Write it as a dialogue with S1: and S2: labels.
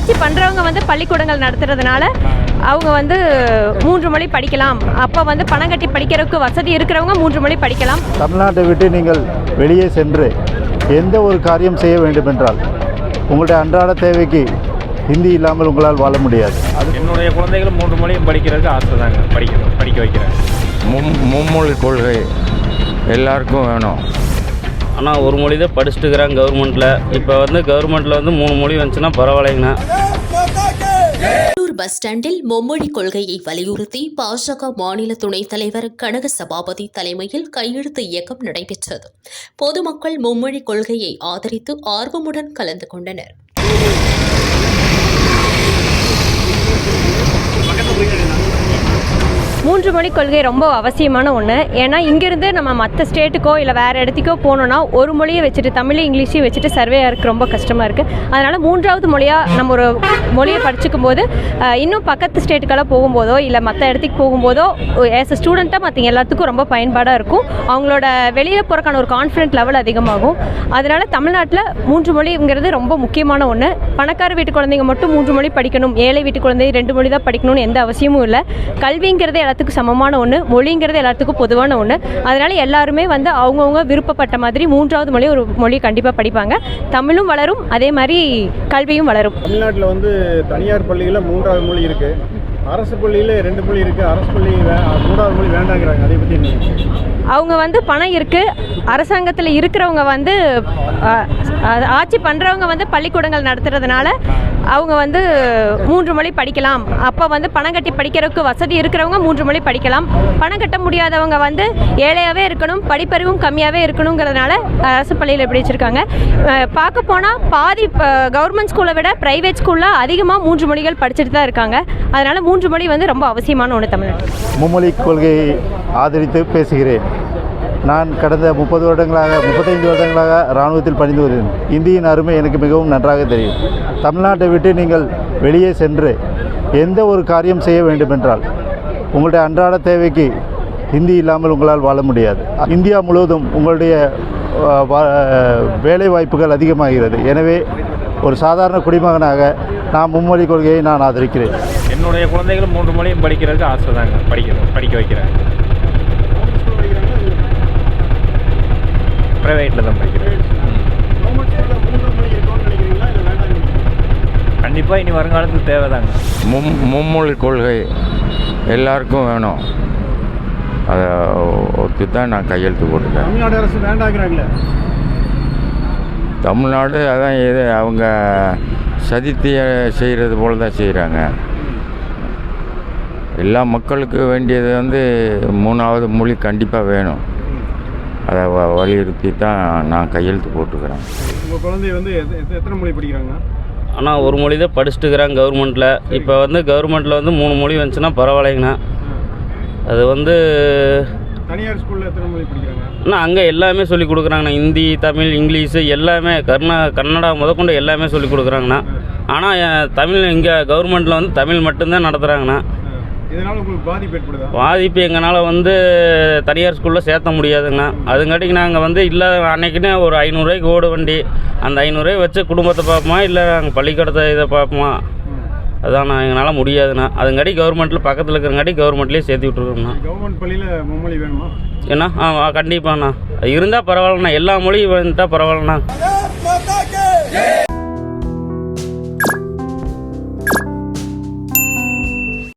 S1: ஆட்சி பண்ணுறவங்க வந்து பள்ளிக்கூடங்கள் நடத்துறதுனால அவங்க வந்து 3 மொழி படிக்கலாம். அப்போ வந்து பணம் கட்டி படிக்கிறதுக்கு வசதி இருக்கிறவங்க 3 மொழி படிக்கலாம்.
S2: தமிழ்நாட்டை விட்டு நீங்கள் வெளியே சென்று எந்த ஒரு காரியம் செய்ய வேண்டுமென்றால் உங்களுடைய அன்றாட தேவைக்கு ஹிந்தி இல்லாமல் உங்களால் வாழ முடியாது.
S3: என்னுடைய குழந்தைகளும் 3 மொழியும் படிக்கிறதுக்கு ஆசை தாங்க, படிக்க வைக்கிறேன்.
S4: மும்மொழி கொள்கை எல்லாருக்கும் வேணும்.
S5: ஆனால் ஒரு மொழி தான் படிச்சுட்டுக்கிறாங்க கவர்மெண்ட்டில். இப்போ வந்து கவர்மெண்ட்டில் வந்து 3 மொழி வந்துச்சுன்னா பரவாயில்லைங்கண்ணா.
S6: பஸ் ஸ்டாண்டில் மும்மொழி கொள்கையை வலியுறுத்தி பாஜக மாநில துணைத் தலைவர் கனக சபாபதி தலைமையில் கையெழுத்து இயக்கம் நடைபெற்றது. பொதுமக்கள் மும்மொழி கொள்கையை ஆதரித்து ஆர்வமுடன் கலந்து கொண்டனர்.
S1: மூன்று மொழி கொள்கை ரொம்ப அவசியமான ஒன்று. ஏன்னா இங்கேருந்து நம்ம மற்ற ஸ்டேட்டுக்கோ இல்லை வேறு இடத்துக்கோ போகணுன்னா ஒரு மொழியை வச்சுட்டு தமிழ் இங்கிலீஷையும் வச்சுட்டு சர்வே ஆகிறதுக்கு ரொம்ப கஷ்டமாக இருக்குது. அதனால் 3வது மொழியாக நம்ம ஒரு மொழியை படிச்சுக்கும் போது இன்னும் பக்கத்து ஸ்டேட்டுக்கெல்லாம் போகும்போதோ இல்லை மற்ற இடத்துக்கு போகும்போதோ ஆஸ் அ ஸ்டூடெண்ட்டாக மற்ற எல்லாத்துக்கும் ரொம்ப பயன்பாடாக இருக்கும். அவங்களோட வெளியே போகிறக்கான ஒரு கான்ஃபிடென்ட் லெவல் அதிகமாகும். அதனால் தமிழ்நாட்டில் 3 மொழிங்கிறது ரொம்ப முக்கியமான ஒன்று. பணக்கார வீட்டு குழந்தைங்க மட்டும் 3 மொழி படிக்கணும், ஏழை வீட்டு குழந்தை 2 மொழி தான் படிக்கணும்னு எந்த அவசியமும் இல்லை. கல்விங்கிறது எல்லாத்துக்கும் சமமான ஒன்று, மொழிங்கிறது எல்லாத்துக்கும் பொதுவான ஒன்று. அதனால் எல்லாருமே வந்து அவங்கவுங்க விருப்பப்பட்ட மாதிரி 3வது மொழி ஒரு மொழி கண்டிப்பாக படிப்பாங்க. தமிழும் வளரும், அதே மாதிரி கல்வியும் வளரும்.
S7: தமிழ்நாட்டில் வந்து தனியார் பள்ளிகளில் 3வது மொழி இருக்குது, அரசு பள்ளியில் 2 மொழி இருக்குது. அரசு பள்ளி 3வது மொழி வேண்டாங்கிறாங்க. அதை பற்றி என்ன?
S1: அவங்க வந்து பணம் இருக்குது, அரசாங்கத்தில் இருக்கிறவங்க வந்து ஆட்சி பண்ணுறவங்க வந்து பள்ளிக்கூடங்கள் நடத்துறதுனால அவங்க வந்து 3 மொழி படிக்கலாம். அப்போ வந்து பணம் கட்டி படிக்கிறதுக்கு வசதி இருக்கிறவங்க 3 மொழி படிக்கலாம். பணம் கட்ட முடியாதவங்க வந்து ஏழையாகவே இருக்கணும், படிப்பறிவும் கம்மியாகவே இருக்கணுங்கிறதுனால அரசு பள்ளியில் எப்படி வச்சுருக்காங்க. பார்க்க போனால் பாதி கவர்மெண்ட் ஸ்கூலை விட ப்ரைவேட் ஸ்கூலில் அதிகமாக 3 மொழிகள் படிச்சுட்டு தான் இருக்காங்க. அதனால் 3 மொழி வந்து ரொம்ப அவசியமான ஒன்று தமிழ்நாட்டில்.
S2: மும்மொழி கொள்கையை ஆதரித்து பேசுகிறேன். நான் கடந்த 35 வருடங்களாக இராணுவத்தில் பணிந்து வருகிறேன். இந்தியின் அருமை எனக்கு மிகவும் நன்றாக தெரியும். தமிழ்நாட்டை விட்டு நீங்கள் வெளியே சென்று எந்த ஒரு காரியம் செய்ய வேண்டுமென்றால் உங்களுடைய அன்றாட தேவைக்கு ஹிந்தி இல்லாமல் உங்களால் வாழ முடியாது. இந்தியா முழுவதும் உங்களுடைய வேலை வாய்ப்புகள் அதிகமாகிறது. எனவே ஒரு சாதாரண குடிமகனாக நான் மும்மொழி கொள்கையை நான் ஆதரிக்கிறேன்.
S3: என்னுடைய குழந்தைகளும் 3 மொழியும் படிக்கிறதுக்கு ஆசை தாங்க, படிக்க வைக்கிறேன். ப்ரைவேட்டில் தான் படிக்கிறேன். கண்டிப்பாக இனி வருங்காலத்துக்கு தேவைதாங்க.
S4: மும்மொழி கொள்கை எல்லாருக்கும் வேணும். அதை ஒத்து தான் நான் கையெழுத்து போட்டுட்டேன்.
S7: தமிழ்நாடு அரசு வேண்டாங்கிறாங்களே.
S4: தமிழ்நாடு அதான் இது அவங்க சதித்திய செய்கிறது போல தான் செய்கிறாங்க. எல்லா மக்களுக்கு வேண்டியது வந்து 3வது மொழி கண்டிப்பாக வேணும். அதை வலியுறுத்தி தான் நான் கையெழுத்து போட்டுக்கிறேன்.
S7: உங்கள் குழந்தை வந்து எத்தனை மொழி படிக்கிறாங்க?
S5: ஆனால் ஒரு மொழி தான் படிச்சுட்டுக்கிறாங்க கவர்மெண்ட்டில். இப்போ வந்து கவர்மெண்ட்டில் வந்து 3 மொழி வந்துச்சுன்னா பரவாயில்லைங்கண்ணா. அது வந்து
S7: தனியார் ஸ்கூலில் எத்தனை மொழி படிக்கிறாங்க?
S5: ஆனால் அங்கே எல்லாமே சொல்லி கொடுக்குறாங்கண்ணா. ஹிந்தி, தமிழ், இங்கிலீஷு எல்லாமே கன்னடா முதற்கொண்டு எல்லாமே சொல்லி கொடுக்குறாங்கண்ணா. ஆனால் தமிழ் இங்கே கவர்மெண்ட்டில் வந்து தமிழ் மட்டும்தான் நடத்துகிறாங்கண்ணா.
S7: இதனால் உங்களுக்கு பாதிப்பு ஏற்படுதா?
S5: பாதிப்பு எங்களால் வந்து தனியார் ஸ்கூலில் சேர்த்த முடியாதுங்கண்ணா. அதுங்காட்டிக்கு நாங்கள் வந்து இல்லை அன்னைக்குன்னே ஒரு 500 ரூபாய்க்கு ஓடு வண்டி, அந்த 500 ரூபாய் வச்சு குடும்பத்தை பார்ப்போமா இல்லை நாங்கள் பள்ளிக்கூடத்தை இதை பார்ப்போமா, அதான் எங்களால் முடியாதுண்ணா. அதுங்காட்டி கவர்மெண்ட்டில் பக்கத்தில் இருக்கிறங்காட்டி கவர்மெண்ட்லேயே சேர்த்து விட்ருக்கோங்கண்ணா.
S7: கவர்மெண்ட் பள்ளியில் மும்மொழி வேணுமா?
S5: ஏன்னா கண்டிப்பாண்ணா இருந்தால் பரவாயில்லண்ணா. எல்லா மொழியும் வந்துட்டால் பரவாயில்லண்ணா.